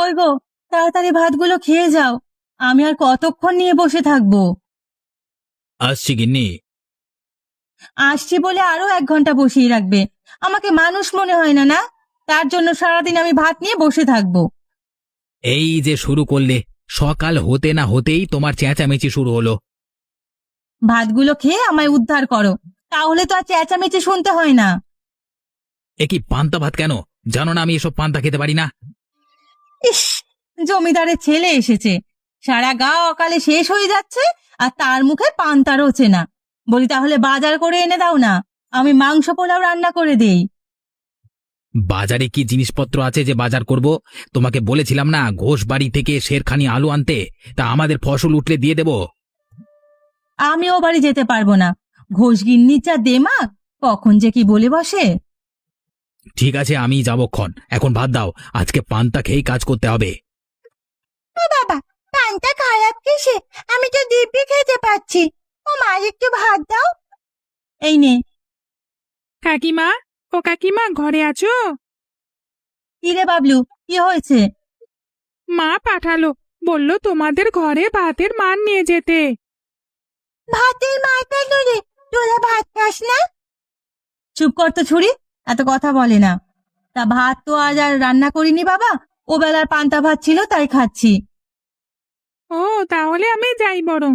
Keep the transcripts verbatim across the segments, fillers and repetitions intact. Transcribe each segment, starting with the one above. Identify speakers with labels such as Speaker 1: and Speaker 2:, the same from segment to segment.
Speaker 1: কই গো, তাড়াতাড়ি ভাতগুলো খেয়ে যাও। আমি আর কতক্ষণ নিয়ে বসে থাকবো?
Speaker 2: আসছি গিন্নি।
Speaker 1: আসছি বলে আরো এক ঘন্টা বসিয়ে রাখবে? আমাকে মানুষ মনে হয় না, না? তার জন্য সারাদিন আমি ভাত নিয়ে বসে থাকবো?
Speaker 2: এই যে শুরু করলে, সকাল হতে না হতেই তোমার চেঁচামেচি শুরু হলো।
Speaker 1: ভাতগুলো খেয়ে আমায় উদ্ধার করো, তাহলে তো আর চেঁচামেচি শুনতে হয় না।
Speaker 2: এ কি পান্তা ভাত কেন? জানো না আমি এসব পান্তা খেতে পারি না।
Speaker 1: ইস, জমিদারের ছেলে এসেছে, সারা গা অকালে শেষ হয়ে যাচ্ছে, আর তার মুখে পান্তা রোচে না। বলি তাহলে বাজার করে এনে দাও না, আমি মাংস পোলাও রান্না করে দেই।
Speaker 2: বাজারে কি জিনিসপত্র আছে যে বাজার করব? তোমাকে বলেছিলাম না ঘোষ বাড়ি থেকে শেরখানি আলু আনতে, তা আমাদের ফসল উঠলে দিয়ে দেব।
Speaker 1: আমিও বাড়ি যেতে পারবো না, ঘোষগিন্নির যা দেমাগ, কখন যে কি বলে বসে।
Speaker 2: ঠিক আছে আমি যাবক্ষণ, এখন ভাত দাও, আজকে পান্তা খেয়েই কাজ করতে হবে।
Speaker 1: ও বাবা, পান্তা খারাপ কিসে? আমি তো দিব্যি খেতে পাচ্ছি। ও মা, একটু ভাত দাও। এই নে।
Speaker 3: কাকিমা, ও কাকিমা, ঘরে আছো?
Speaker 1: কিরে বাবলু, কি হয়েছে?
Speaker 3: মা পাঠালো, বললো তোমাদের ঘরে ভাতের মান নিয়ে যেতে।
Speaker 1: ভাতের মারটা রে, তোরা ভাত খাস না? চুপ কর তো ছুরি, এত কথা বলে না। তা ভাত তো আজ আর রান্না করিনি বাবা, ও বেলার পান্তা ভাত ছিল তাই খাচ্ছি।
Speaker 3: ও, তাহলে আমি যাই বরং।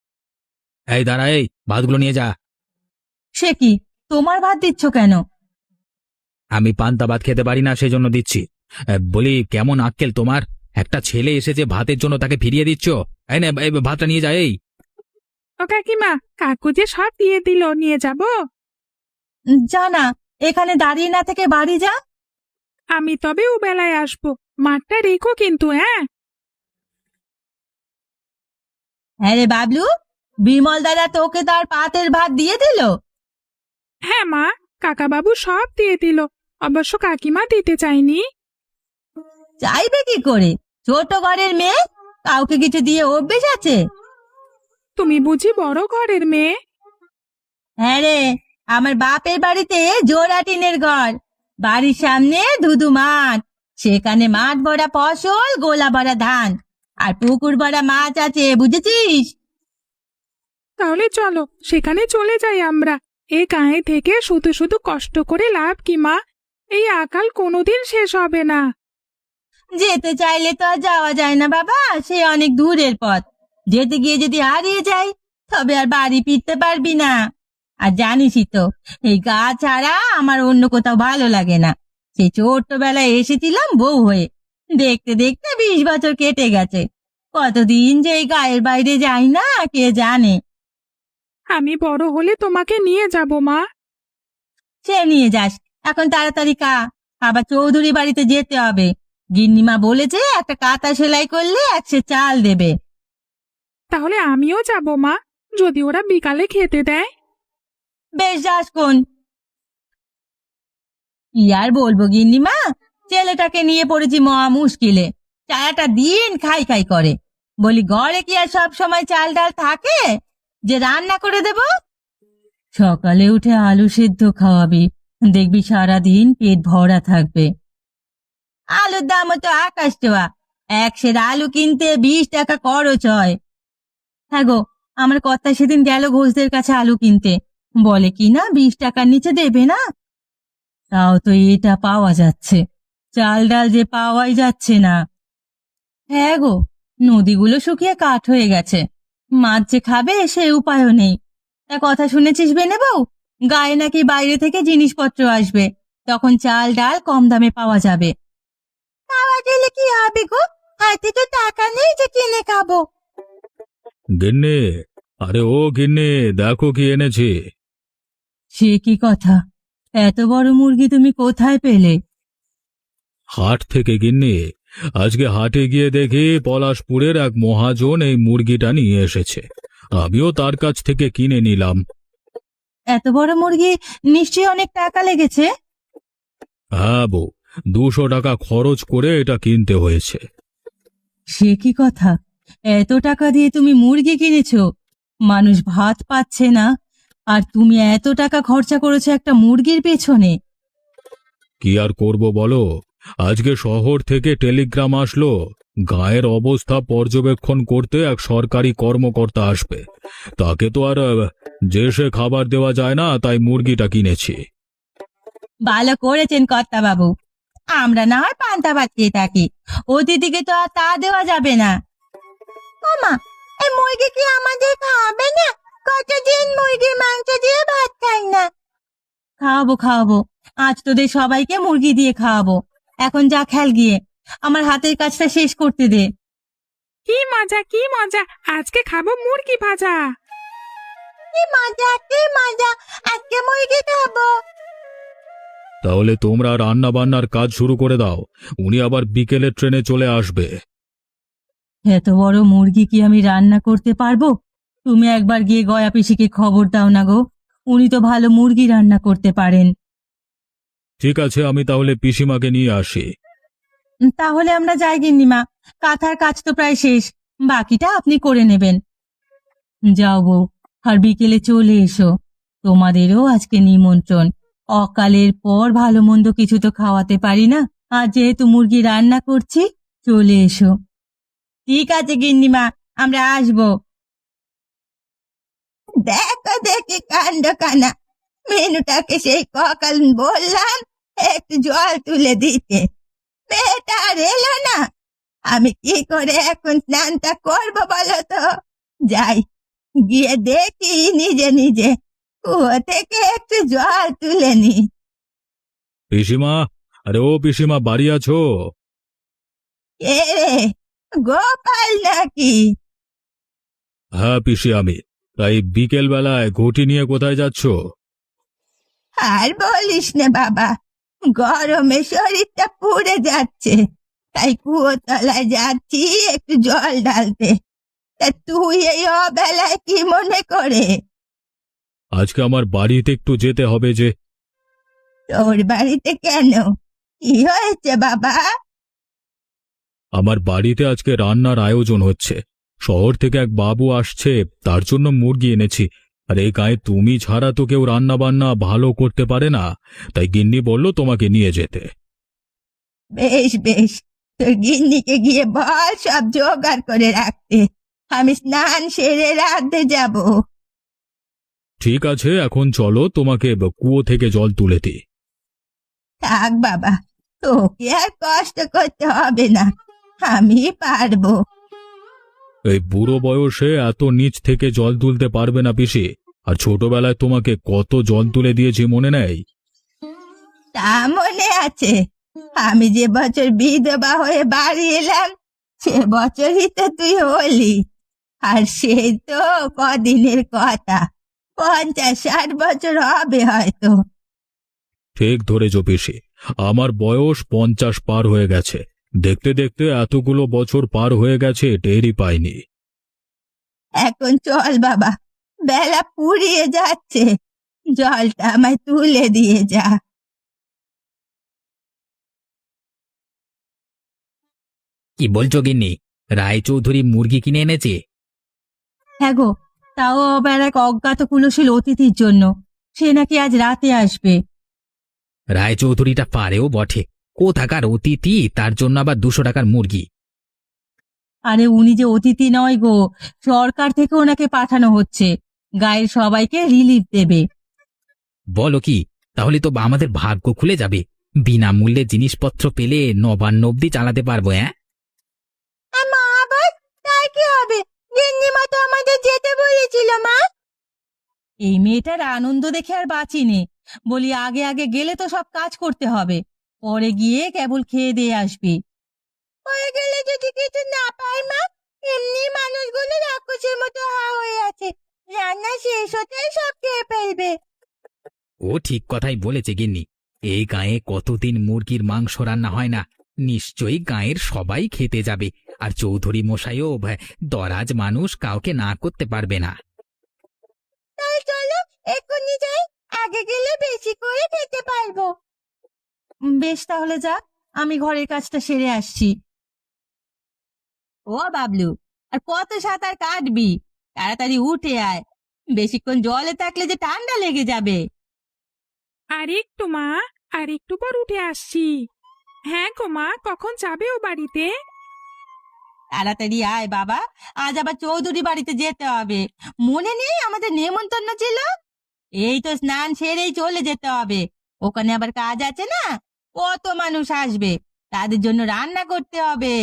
Speaker 2: এই দাঁড়া, এই ভাতগুলো নিয়ে যা।
Speaker 1: সে কি, তোমার ভাত দিচ্ছ কেন?
Speaker 2: আমি পান্তা ভাত খেতে পারি না, সেজন্য দিচ্ছি। এ, বলি কেমন আক্কেল তোমার? একটা ছেলে এসেছে ভাতের জন্য, তাকে ফিরিয়ে দিচ্ছ? এই নে, এই ভাতটা নিয়ে যা। এই
Speaker 3: ও কাকিমা, কাকু যে সব দিয়ে দিল, নিয়ে যাব?
Speaker 1: যা না, এখানে দাঁড়িয়ে না থেকে বাড়ি যা।
Speaker 3: আমি তবে ও বেলায় আসবো, মাঠটা রেখো কিন্তু, হ্যাঁ?
Speaker 1: হ্যাঁ রে বাবলু, বিমল দাদা তোকে তার পাতের ভাত দিয়ে দিল?
Speaker 3: হ্যাঁ মা, কাকাবাবু সব দিয়ে দিল, অবশ্য কাকিমা দিতে চাইনি।
Speaker 1: চাইবে কি করে, ছোট ঘরের মেয়ে, কাউকে কিছু দিয়ে অভ্যেস আছে?
Speaker 3: তুমি বুঝি বড় ঘরের মেয়ে?
Speaker 1: হ্যাঁ রে, আমার বাপের বাড়িতে জোড়া টিনের ঘর, বাড়ির সামনে ধুধু মাঠ, সেখানে মাঠ ভরা ফসল, গোলা ভরা ধান, আর পুকুর ভরা মাছ আছে, বুঝেছিস?
Speaker 3: তাহলে চলো সেখানে চলে যাই আমরা। এই গায়ে থেকে শুধু শুধু কষ্ট করে লাভ কি মা? এই আকাল কোনোদিন শেষ হবে না।
Speaker 1: যেতে চাইলে তো আর যাওয়া যায় না বাবা, সে অনেক দূরের পথ। যেতে গিয়ে যদি হারিয়ে যাই, তবে আর বাড়ি ফিরতে পারবি না। আর জানিসই তো, এই গা ছাড়া আমার অন্য কোথাও ভালো লাগে না। সেই ছোট্টবেলায় এসেছিলাম বউ হয়ে, দেখতে দেখতে বিশ বছর কেটে গেছে। কতদিন যে এই গায়ের বাইরে যাই না কে জানে।
Speaker 3: আমি বড় হলে তোমাকে নিয়ে যাব মা।
Speaker 1: সে নিয়ে যাস, এখন তাড়াতাড়ি কা, আবার চৌধুরী বাড়িতে যেতে হবে। গিন্নিমা বলেছে একটা কাঁথা সেলাই করলে একশো চাল দেবে।
Speaker 3: তাহলে আমিও যাব মা, যদি ওরা বিকালে খেতে দেয়।
Speaker 1: বেশ, যাস কোন। কি আর বলবো গিন্নিমা, ছেলেটাকে নিয়ে পড়েছি মহা মুশকিলে। সারাটা দিন খাই খাই করে। বলি ঘরে কি আর সব সময় চাল ডাল থাকে যে রান্না করে দেব? সকালে উঠে আলু সেদ্ধ খাওয়াবি, দেখবি সারাদিন পেট ভরা থাকবে। আলুর দামও তো আকাশ ছোঁয়া, এক সের আলু কিনতে বিশ টাকা খরচ হয়। হ্যাঁ গো, আমার কর্তা সেদিন গেল ঘোষদের কাছে আলু কিনতে, বলে কি না বিশ টাকার নিচে দেবে না। তাও তো এটা পাওয়া যাচ্ছে, চাল ডাল যে পাওয়াই যাচ্ছে না। হ্যাঁ গো, নদীগুলো শুকিয়ে কাঠ হয়ে গেছে, মাছ যে খাবে সে উপায়ও নেই। তা কথা শুনেছিস বেনে বউ, গায়ে নাকি বাইরে থেকে জিনিসপত্র আসবে, তখন চাল ডাল কম দামে পাওয়া যাবে। পাওয়া গেলে কি হবে গো, হাতে তো টাকা নেই যে কিনে খাবো।
Speaker 2: গিন্নি, আরে ও গিন্নি, দেখো কি এনেছি।
Speaker 1: সে কি কথা, এত বড় মুরগি তুমি কোথায় পেলে?
Speaker 2: হাট থেকে গিন্নি, আজকে হাটে গিয়ে দেখি পলাশপুরের এক মহাজন এই মুরগিটা নিয়ে এসেছে। আমিও তার কাছ থেকে কিনে নিলাম।
Speaker 1: এত বড় মুরগি, নিশ্চয়ই অনেক টাকা লেগেছে।
Speaker 2: হ্যাঁ বউ, দুশো টাকা খরচ করে এটা কিনতে হয়েছে।
Speaker 1: সে কি কথা, এত টাকা দিয়ে তুমি মুরগি কিনেছো? মানুষ ভাত পাচ্ছে না, আর তুমি এত টাকা খরচা করেছো একটা মুরগির পেছনে?
Speaker 2: কি আর করব বলো, আজকে শহর থেকে টেলিগ্রাম আসলো, গায়ের অবস্থা পর্যবেক্ষণ করতে এক সরকারি কর্মকর্তা আসবে। তাকে তো আর আহ, যে সে খাবার দেওয়া যায় না, তাই মুরগিটা কিনেছি।
Speaker 1: ভালো করেছেন কর্তা বাবু। আমরা না হয় পান্তা ভাত খেয়ে থাকি, অতিথিকে তো আর তা দেওয়া যাবে না। মামা, এই মুরগি কি আমাদের খাওয়াবে না? কতদিন মুরগির মাংস দিয়ে ভাত খাই না। খাওয়াবো খাওয়াবো, আজ তোদের সবাইকে মুরগি দিয়ে খাওয়াবো। এখন যা খেল গিয়ে, আমার হাতের কাজটা শেষ করতে দে।
Speaker 3: কি মজা কি মজা, আজকে খাবো মুরগি ভাজা।
Speaker 1: কি মজা কি মজা, আজকে মুরগি খাবো।
Speaker 2: তাহলে তোমরা রান্না বান্নার কাজ শুরু করে দাও, উনি আবার বিকেলের ট্রেনে চলে আসবে।
Speaker 1: এত বড় মুরগি কি আমি রান্না করতে পারবো? তুমি একবার গিয়ে গয়া পিসিকে খবর দাও না গো, উনি তো ভালো মুরগি রান্না করতে পারেন।
Speaker 2: ঠিক আছে, আমি তাহলে পিসিমাকে নিয়ে আসি।
Speaker 1: উম, তাহলে আমরা যাই গিন্নিমা, কাঁথার কাজ তো প্রায় শেষ, বাকিটা আপনি করে নেবেন। যাও বউ, আর বিকেলে চলে এসো, তোমাদেরও আজকে নিমন্ত্রণ। অকালের পর ভালো মন্দ কিছু তো খাওয়াতে পারি না, আর যেহেতু মুরগি রান্না করছি, চলে এসো। ঠিক আছে গিন্নিমা, আমরা আসবো। দেখো দেখি কাণ্ড কানা, মেনুটাকে সেই সকাল বললাম একটু জল তুলে দিতে, মেয়েটা আর এলো না। আমি কি করে এখন স্নানটা করবো বলো তো? যাই, গিয়ে দেখি নিজে নিজে কুয়ো থেকে একটু জল তুলে নি।
Speaker 2: পিসিমা, আরে ও পিসিমা, বাড়ি আছো?
Speaker 1: কে রে, গোপাল নাকি?
Speaker 2: হ্যাঁ পিসি, আমি। তাই বিকেল বেলায় ঘটি নিয়ে কোথায় যাচ্ছ?
Speaker 1: আর বলিস না বাবা, গরমে শরীরটা পুড়ে যাচ্ছে, তাই কুয়ো তলায় যাচ্ছি একটু জল ঢালতে। তা তুই এই অবেলায় কি মনে করে?
Speaker 2: আজকে আমার বাড়িতে একটু যেতে হবে যে।
Speaker 1: তোর বাড়িতে কেন, কি হয়েছে বাবা?
Speaker 2: আমার বাড়িতে আজকে রান্নার আয়োজন হচ্ছে, শহর থেকে এক বাবু আসছে, তার জন্য মুরগি এনেছি। আর এই গায়ে তুমি ছাড়া তো কেউ রান্না বান্না ভালো করতে পারে না, তাই গিন্নি বলল তোমাকে নিয়ে যেতে।
Speaker 1: বেশ বেশ, তোর গিন্নিকে গিয়ে বল সব জোগাড় করে রাখতে, আমি স্নান সেরে রাঁধতে যাব।
Speaker 2: ঠিক আছে, এখন চলো, তোমাকে কুয়ো থেকে জল তুলে দিই।
Speaker 1: থাক বাবা, তোকে আর কষ্ট করতে হবে না, আমি পারবো।
Speaker 2: এই বুড়ো বয়সে এত নিচ থেকে জল তুলতে পারবে না পিসি, আর ছোটবেলায় তোমাকে কত জল তুলে দিয়েছি মনে নেই?
Speaker 1: তা মনে আছে, আমি যে বছর বিধবা হয়ে বাড়ি এলাম, সে বছরই তো তুই হলি। আর সেই তো কদিনের কথা, পঞ্চাশ ষাট বছর হবে হয়তো।
Speaker 2: ঠিক ধরেছ পিসি, আমার বয়স পঞ্চাশ পার হয়ে গেছে, দেখতে দেখতে এতগুলো বছর পার হয়ে গেছে টেরই পাইনি।
Speaker 1: এখন চল বাবা, বেলা পুড়িয়ে যাচ্ছে, জলটা আমায় তুলে দিয়ে যা।
Speaker 4: কি বলছো গিন্নি, রায়চৌধুরী মুরগি কিনে এনেছে?
Speaker 1: হ্যাঁ গো, তাও আবার এক অজ্ঞাত কুলশীল অতিথির জন্য, সে নাকি আজ রাতে আসবে।
Speaker 4: রায়চৌধুরীটা পারেও বটে, কোথাকার অতিথি তার জন্য আবার দুশো টাকার মুরগি?
Speaker 1: আরে উনি যে অতিথি নয় গো, সরকার থেকে ওনাকে পাঠানো হচ্ছে, গায়ের সবাইকে রিলিফ দেবে।
Speaker 4: বলো কি, তাহলে তো আমাদের ভাগ্য খুলে যাবে, বিনামূল্যে জিনিসপত্র পেলে নবান্ন অব্দি চালাতে পারবো। হ্যাঁ,
Speaker 1: মা, আবার তাই কি হবে? গিন্নিমা তো আমাদের যেতে বলেছিল মা। এই মেয়েটার আনন্দ দেখে আর বাঁচিনি, বলি আগে আগে গেলে তো সব কাজ করতে হবে, পরে গিয়ে কেবল খেয়ে দিয়ে আসবি। পরে গেলে যদি কিছু না পাই মা, এমনি মানুষগুলো রাক্ষসের মতো হা হয়ে আছে, রান্না শেষ হতেই সব খেয়ে ফেলবে।
Speaker 4: ও ঠিক কথাই বলেছে গিন্নি, এই গায়ে কতদিন মুরগির মাংস রান্না হয় না, নিশ্চয়ই গায়ের সবাই খেতে যাবে, আর চৌধুরী মশাইও ভ্যা, দরাজ মানুষ, কাউকে না করতে পারবে না।
Speaker 1: তাই চলো এক্ষুনি যাই, আগে গেলে বেশি করে খেতে পারবো। বেশ, তাহলে যা, আমি ঘরের কাজটা সেরে আসছি। ও বাবলু, আর কত সাঁতার কাটবি? তাড়াতাড়ি উঠে আয়, বেশিক্ষণ জলে থাকলে যে ঠান্ডা লেগে যাবে।
Speaker 3: আর একটু মা, আর একটু পর উঠে আসছি। হ্যাঁ গো মা, কখন যাবে ও বাড়িতে?
Speaker 1: তাড়াতাড়ি আয় বাবা, আজ আবার চৌধুরী বাড়িতে যেতে হবে। মনে নেই আমাদের নেমন্তন্ন ছিল? এই তো স্নান সেরেই চলে যেতে হবে। ওখানে আবার কাজ আছে না, কত মানুষ আসবে, তাদের জন্য রান্না করতে হবে।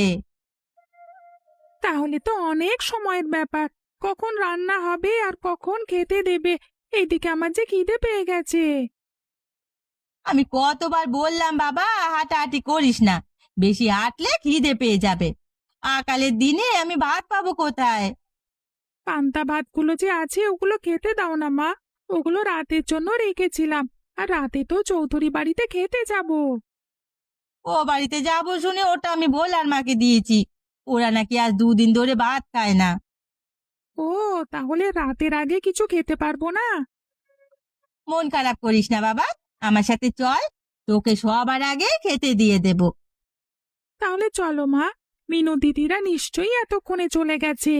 Speaker 3: তাহলে তো অনেক সময়ের ব্যাপার। কখন রান্না হবে আর কখন খেতে দেবে? এইদিকে আমার যে খিদে পেয়ে গেছে।
Speaker 1: আমি কতবার বললাম বাবা হাঁটাহাঁটি করিস না, বেশি হাঁটলে খিদে পেয়ে যাবে। আকালের দিনে আমি ভাত পাবো কোথায়?
Speaker 3: পান্তা ভাতগুলো যে আছে ওগুলো খেতে দাও না মা। ওগুলো রাতের জন্য রেখেছিলাম, আর রাতে তো চৌধুরী বাড়িতে খেতে যাব।
Speaker 1: ও বাড়িতে যাবো শুনে ওটা আমি ভোলার মাকে দিয়েছি। ওরা নাকি আজ দুদিন ধরে ভাত খায় না।
Speaker 3: ও, তাহলে রাতের আগে কিছু খেতে পারবো না?
Speaker 1: মন খারাপ করিস না বাবা, আমার সাথে চল, তোকে সবার আগে খেতে দিয়ে দেব।
Speaker 3: তাহলে চলো মা, মিনু দিদিরা নিশ্চয়ই এতক্ষণে চলে গেছে।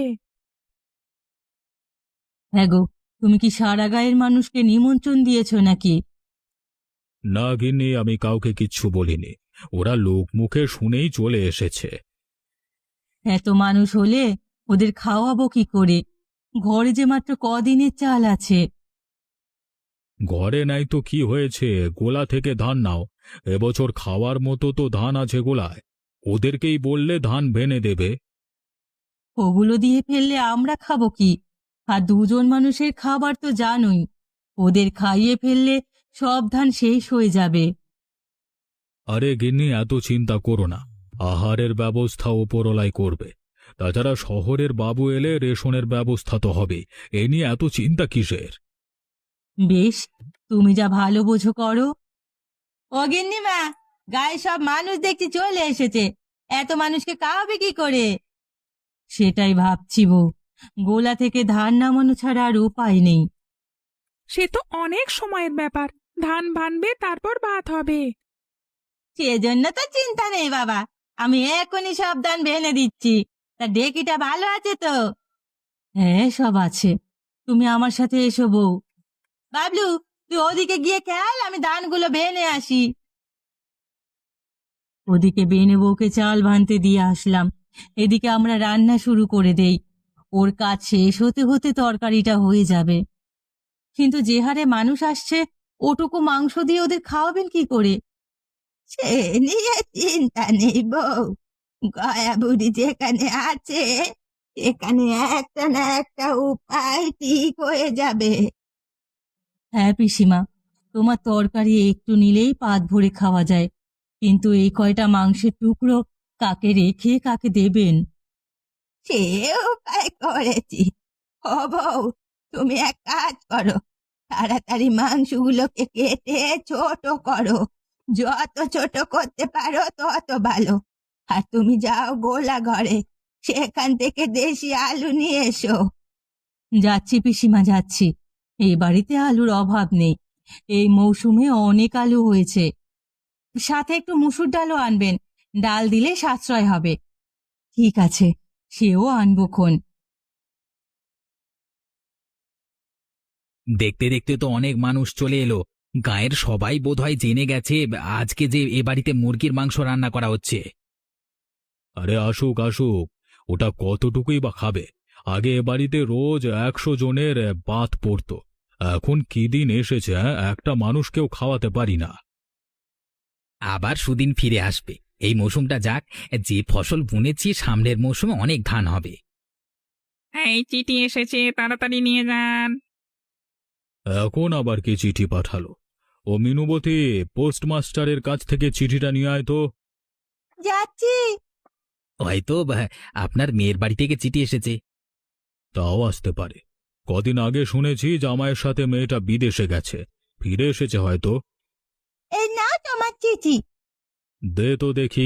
Speaker 1: হ্যাঁ গো, তুমি কি সারা গায়ের মানুষকে নিমন্ত্রণ দিয়েছো নাকি?
Speaker 2: না গিন্নি, আমি কাউকে কিচ্ছু বলিনি। ওরা লোক মুখে শুনেই চলে এসেছে।
Speaker 1: এত মানুষ হলে ওদের খাওয়াবো কি করে? ঘরে যে মাত্র কদিনের চাল আছে।
Speaker 2: ঘরে নাই তো কি হয়েছে, গোলা থেকে ধান নাও। এবছর খাওয়ার মতো তো ধান আছে গোলায়। ওদেরকেই বললে ধান ভেনে দেবে।
Speaker 1: ওগুলো দিয়ে ফেললে আমরা খাবো কি? আর দুজন মানুষের খাবার তো জানোই, ওদের খাইয়ে ফেললে সব ধান শেষ হয়ে যাবে।
Speaker 2: আরে গিন্নি, এত চিন্তা করো না। আহারের ব্যবস্থা ওপরলাই করবে। তাছাড়া শহরের বাবু এলে রেশনের ব্যবস্থা তো হবে। এ নিয়ে এত চিন্তা কিসের?
Speaker 1: বেশ, তুমি যা ভালো বোঝো করো। ও গিন্নিমা, গায়ে সব মানুষ দেখছি চলে এসেছে, এত মানুষকে খাওয়াবে কি করে? সেটাই ভাবছি বউ, গোলা থেকে ধান নামানো ছাড়া আর উপায় নেই।
Speaker 3: সে তো অনেক সময়ের ব্যাপার। ধান ভানবে, তারপর ভাত হবে।
Speaker 1: সেজন্য তো চিন্তা নেই বাবা, আমি এখনই সব ধান ভেনে দিচ্ছি। তা ডেকিটা ভালো আছে তো? হ্যাঁ, সব আছে। তুমি আমার সাথে এসো বউ। বাবলু, তুই ওদিকে গিয়ে খেয়াল, আমি ধানগুলো ভেনে আসি। ওদিকে বেনে বউকে চাল ভানতে দিয়ে আসলাম, এদিকে আমরা রান্না শুরু করে দেই। ওর কাজ শেষ হতে হতে তরকারিটা হয়ে যাবে। কিন্তু যে হারে মানুষ আসছে, ওটুকু মাংস দিয়ে ওদের খাওয়াবেন কি করে? সে নিয়ে চিন্তা নেই বউ, গয়া বুড়ি যেখানে আছে সেখানে একটা না একটা উপায় ঠিক হয়ে যাবে। হ্যাঁ পিসিমা, তোমার তরকারি একটু নিলেই পাত ভরে খাওয়া যায়, কিন্তু এই কয়টা মাংসের টুকরো কাকে রেখে কাকে দেবেন? সে উপায় করেছি। ও বউ, তুমি এক কাজ করো, তাড়াতাড়ি মাংসগুলোকে কেটে ছোট করো। যত ছোট করতে পারো তত ভালো। আর তুমি যাও গোলা ঘরে, সেখান থেকে দেশি আলু নিয়ে এসো। যাচ্ছি পিসিমা, যাচ্ছি। এই বাড়িতে আলুর অভাব নেই, এই মৌসুমে অনেক আলু হয়েছে। সাথে একটু মুসুর ডালও আনবেন, ডাল দিলে সাশ্রয় হবে। ঠিক আছে, সেও আনবো খন।
Speaker 4: দেখতে দেখতে তো অনেক মানুষ চলে এলো। গায়ের সবাই বোধহয় জেনে গেছে আজকে যে এ বাড়িতে মুরগির মাংস রান্না করা হচ্ছে।
Speaker 2: আরে আসুক আসুক, ওটা কতটুকুই বা খাবে? আগে এ বাড়িতে রোজ একশো জনের বাত পড়তো। এখন কি দিন এসেছে, হ্যাঁ? একটা মানুষকেও খাওয়াতে পারি না।
Speaker 4: আবার সুদিন ফিরে আসবে। এই মৌসুমটা যাক, যে ফসল বুনেছি সামনের মৌসুমে অনেক ধান হবে।
Speaker 3: এই চিঠি এসেছে, তাড়াতাড়ি নিয়ে যান।
Speaker 2: এখন আবার কি চিঠি পাঠালো? ও মিনুবতী, পোস্টমাস্টারের কাছ থেকে চিঠিটা নিয়ে আয় তো।
Speaker 1: যাচ্ছি।
Speaker 4: হয়তো বা, আপনার মেয়ের বাড়ি থেকে চিঠি এসেছে।
Speaker 2: তাও আসতে পারে। কদিন আগে শুনেছি জামাইয়ের সাথে মেয়েটা বিদেশে গেছে, ফিরে এসেছে হয়তো।
Speaker 1: এই না তোমার চিঠি।
Speaker 2: দে তো দেখি।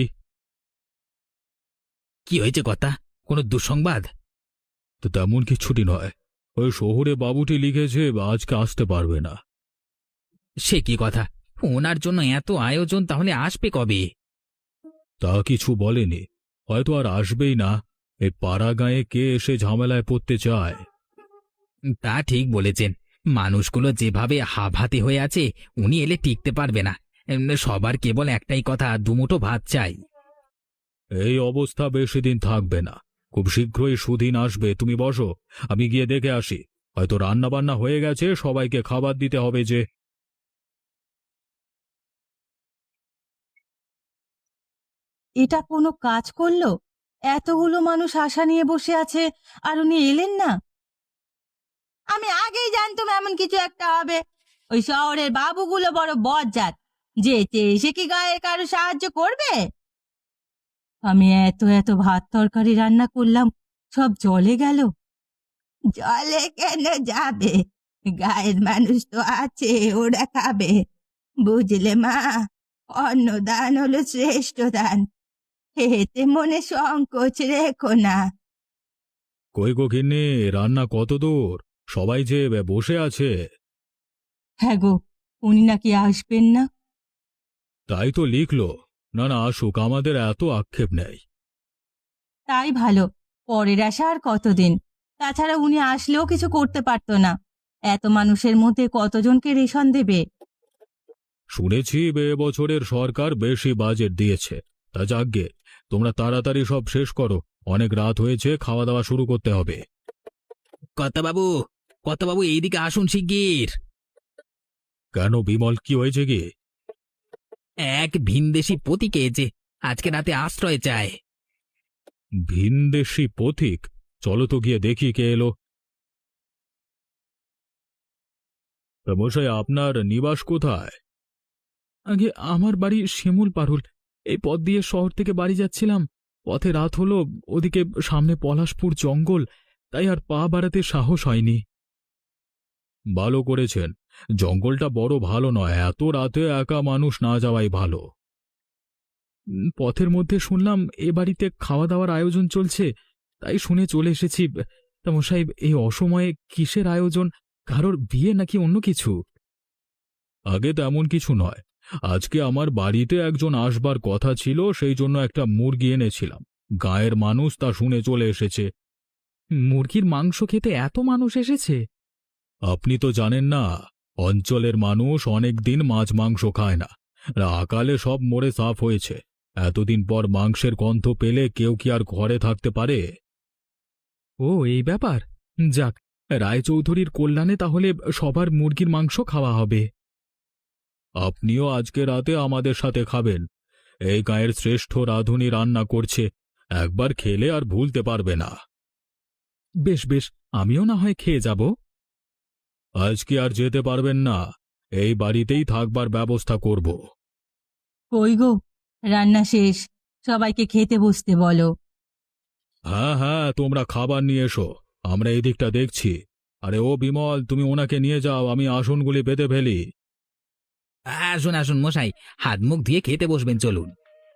Speaker 4: কি হয়েছে কথা? কোনো দুঃসংবাদ?
Speaker 2: তো তেমন কিছুটি নয়, ওই শহুরে বাবুটি লিখেছে আজকে আসতে পারবে না।
Speaker 4: সে কি কথা? ওনার জন্য এত আয়োজন, তাহলে আসবে কবে?
Speaker 2: তা কিছু বলেনি, হয়তো আর আসবেই না। এই পাড়া গাঁয়ে কে এসে ঝামেলায় পড়তে চায়?
Speaker 4: তা ঠিক বলেছেন। মানুষগুলো যেভাবে হাভাতে হয়ে আছে, উনি এলে টিকতে পারবে না। এম, সবার কেবল একটাই কথা, দুমুঠো ভাত চাই।
Speaker 2: এই অবস্থা বেশি দিন থাকবে না, খুব শীঘ্রই সুদিন আসবে। তুমি বসো, আমি গিয়ে দেখে আসি। হয়তো রান্না বান্না হয়ে গেছে, সবাইকে খাবার দিতে হবে যে।
Speaker 1: এটা কোনো কাজ করলো? এতগুলো মানুষ আশা নিয়ে বসে আছে, আর উনি এলেন না। আমি আগেই জানতাম এমন কিছু একটা হবে। ওই শহরের বাবুগুলো বড় বজ্জাত, যেতে এসে কি গায়ে কারো সাহায্য করবে? আমি এত এত ভাত তরকারি রান্না করলাম, সব জলে গেল। জলে কেন যাবে? গায়ের মানুষ তো আছে, ওরা খাবে। বুঝলে মা, অন্নদান হলো শ্রেষ্ঠ দান, এতে মনে সংকোচ রেখো না।
Speaker 2: কই গো গিন্নি, রান্না কত দূর? সবাই যে বসে আছে।
Speaker 1: হ্যাঁ গো, উনি নাকি আসবেন না।
Speaker 2: তাই তো লিখলো। না না, আসুক, আমাদের এত আক্ষেপ নেই।
Speaker 1: তাই ভালো, পরের আশা আর কতদিন। তাছাড়া উনি আসলেও কিছু করতে পারতো না, এত মানুষের মধ্যে কতজনকে রেশন দেবে?
Speaker 2: শুনেছি এ বছরের সরকার বেশি বাজেট দিয়েছে। তা যাকগে, তোমরা তাড়াতাড়ি সব শেষ করো, অনেক রাত হয়েছে, খাওয়া দাওয়া শুরু করতে হবে।
Speaker 4: কর্তাবাবু, কর্তাবাবু এইদিকে আসুন শিগগির।
Speaker 2: কেন বিমল, কি হয়েছে কি?
Speaker 4: এক ভিনদেশি পতিকে যে আজকে রাতে আশ্রয় চায়।
Speaker 2: ভিনদেশি পথিক? চলো তো গিয়ে দেখি কে এলো। তা মশাই, আপনার নিবাস কোথায়?
Speaker 5: আগে আমার বাড়ি শিমুল পারুল। এই পথ দিয়ে শহর থেকে বাড়ি যাচ্ছিলাম, পথে রাত হলো, ওদিকে সামনে পলাশপুর জঙ্গল, তাই আর পা বাড়াতে সাহস হয়নি।
Speaker 2: ভালো করেছেন, জঙ্গলটা বড় ভালো নয়, এত রাতে একা মানুষ না যাওয়াই ভালো।
Speaker 5: উম, পথের মধ্যে শুনলাম এ বাড়িতে খাওয়া দাওয়ার আয়োজন চলছে, তাই শুনে চলে এসেছি। তা মশাই, এই অসময়ে কিসের আয়োজন? কারোর বিয়ে নাকি অন্য কিছু?
Speaker 2: আগে তেমন কিছু নয়, আজকে আমার বাড়িতে একজন আসবার কথা ছিল, সেই জন্য একটা মুরগি এনেছিলাম। গায়ের মানুষ তা শুনে চলে এসেছে।
Speaker 5: মুরগির মাংস খেতে এত মানুষ এসেছে?
Speaker 2: আপনি তো জানেন না, অঞ্চলের মানুষ অনেক দিন মাছ মাংস খায় না, আকালে সব মরে সাফ হয়েছে। এতদিন পর মাংসের গন্ধ পেলে কেউ কি আর ঘরে থাকতে পারে?
Speaker 5: ও, এই ব্যাপার। যাক, রায়চৌধুরীর কল্যাণে তাহলে সবার মুরগির মাংস খাওয়া হবে।
Speaker 2: আপনিও আজকে রাতে আমাদের সাথে খাবেন। এই গায়ের শ্রেষ্ঠ রাঁধুনি রান্না করছে, একবার খেলে আর ভুলতে পারবে না।
Speaker 5: বেশ বেশ, আমিও না হয় খেয়ে যাব।
Speaker 2: আজকে আর যেতে পারবেন না, এই বাড়িতেই থাকবার ব্যবস্থা করব।
Speaker 1: কই গো, রান্না শেষ, সবাইকে খেতে বসতে বলো।
Speaker 2: হ্যাঁ হ্যাঁ, তোমরা খাবার নিয়ে এসো, আমরা এই দিকটা দেখছি। আরে ও বিমল, তুমি ওনাকে নিয়ে যাও, আমি আসনগুলি বেঁধে ফেলি।
Speaker 4: আসুন আসুন মশাই, হাত মুখ দিয়ে খেতে বসবেন, চলুন।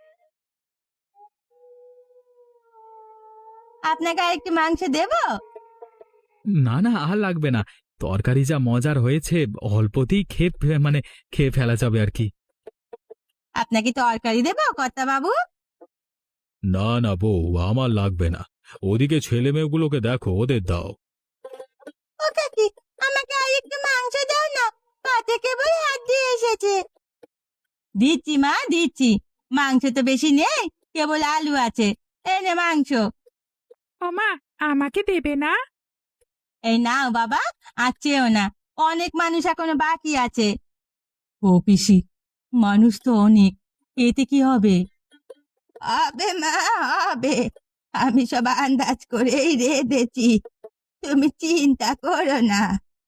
Speaker 1: আপনাকে আর একটু মাংস দেব?
Speaker 5: না না, আর লাগবে না। তরকারি যা মজার হয়েছে, অল্পতেই খেয়ে ফে- মানে খেয়ে ফেলা যাবে আর কি।
Speaker 1: আপনাকে তরকারি দেব কর্তা বাবু?
Speaker 2: না না বউ, আমার লাগবে না। ওদিকে ছেলে মেয়েগুলোকে দেখো, ওদের দাও।
Speaker 1: ও কাকি, আমাকে আর একটু মাংস দাও না, পাতে কেবল হাত দিয়ে এসেছে। দিচ্ছি মা, দিচ্ছি। মাংস তো বেশি নেই, কেবল আলু আছে। এই নে মাংস।
Speaker 3: ও মা, আমাকে দেবে না?
Speaker 1: এই নাও বাবা, আর চেও না, অনেক মানুষ এখনো বাকি আছে। ও পিসি, মানুষ তো অনেক, এতে কি হবে? হবে মা, হবে। আমি সব আন্দাজ করেই রেঁধেছি, তুমি চিন্তা করো না।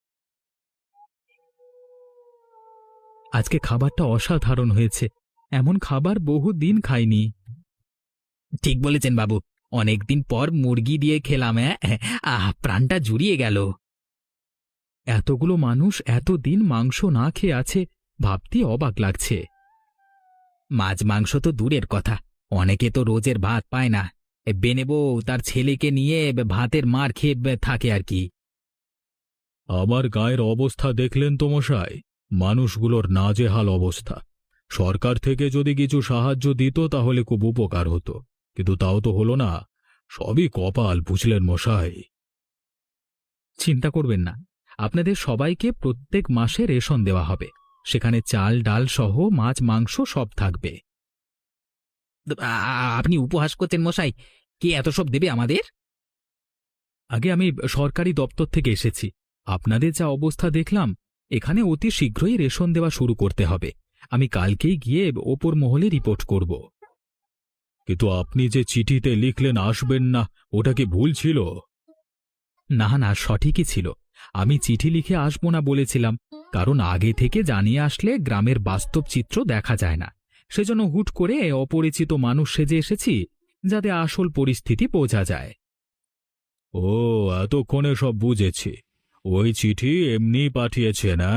Speaker 5: আজকে খাবারটা অসাধারণ হয়েছে, এমন খাবার বহু দিন খাইনি।
Speaker 4: ঠিক বলেছেন বাবু, অনেকদিন পর মুরগি দিয়ে খেলাম। হ্যাঁ, আহ, প্রাণটা জুড়িয়ে গেল।
Speaker 5: এতগুলো মানুষ এতদিন মাংস না খেয়ে আছে, ভাবতে অবাক লাগছে।
Speaker 4: মাছ মাংস তো দূরের কথা, অনেকে তো রোজের ভাত পায় না। এ বেনে বউ তার ছেলেকে নিয়ে ভাতের মার খেয়ে থাকে আর কি।
Speaker 2: আমার গায়ের অবস্থা দেখলেন তো মশাই, মানুষগুলোর নাজেহাল অবস্থা। সরকার থেকে যদি কিছু সাহায্য দিত তাহলে খুব উপকার হতো, কিন্তু তাও তো হলো না। সবই কপাল, বুঝলেন মশাই।
Speaker 5: চিন্তা করবেন না, আপনাদের সবাইকে প্রত্যেক মাসে রেশন দেওয়া হবে। সেখানে চাল ডাল সহ মাছ মাংস সব থাকবে।
Speaker 4: আ- আ- আপনি উপহাস করছেন মশাই? কে এত সব দেবে আমাদের?
Speaker 5: আগে আমি সরকারি দপ্তর থেকে এসেছি, আপনাদের যা অবস্থা দেখলাম এখানে অতি শীঘ্রই রেশন দেওয়া শুরু করতে হবে। আমি কালকেই গিয়ে ওপর মহলে রিপোর্ট করব।
Speaker 2: কিন্তু আপনি যে চিঠিতে লিখলেন আসবেন না, ওটা কি ভুল ছিল?
Speaker 5: না না, সঠিকই ছিল। আমি চিঠি লিখে আসবো না বলেছিলাম, কারণ আগে থেকে জানিয়ে আসলে গ্রামের বাস্তব চিত্র দেখা যায় না। সেজন্য হুট করে অপরিচিত মানুষ সেজে এসেছি, যাতে আসল পরিস্থিতি বোঝা যায়।
Speaker 2: ও, এতক্ষণে সব বুঝেছি। ওই চিঠি এমনি পাঠিয়েছে না?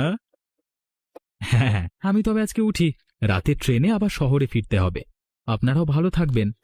Speaker 5: হ্যাঁ, আমি তবে আজকে উঠি, রাতে ট্রেনে আবার শহরে ফিরতে হবে। আপনারাও ভালো থাকবেন।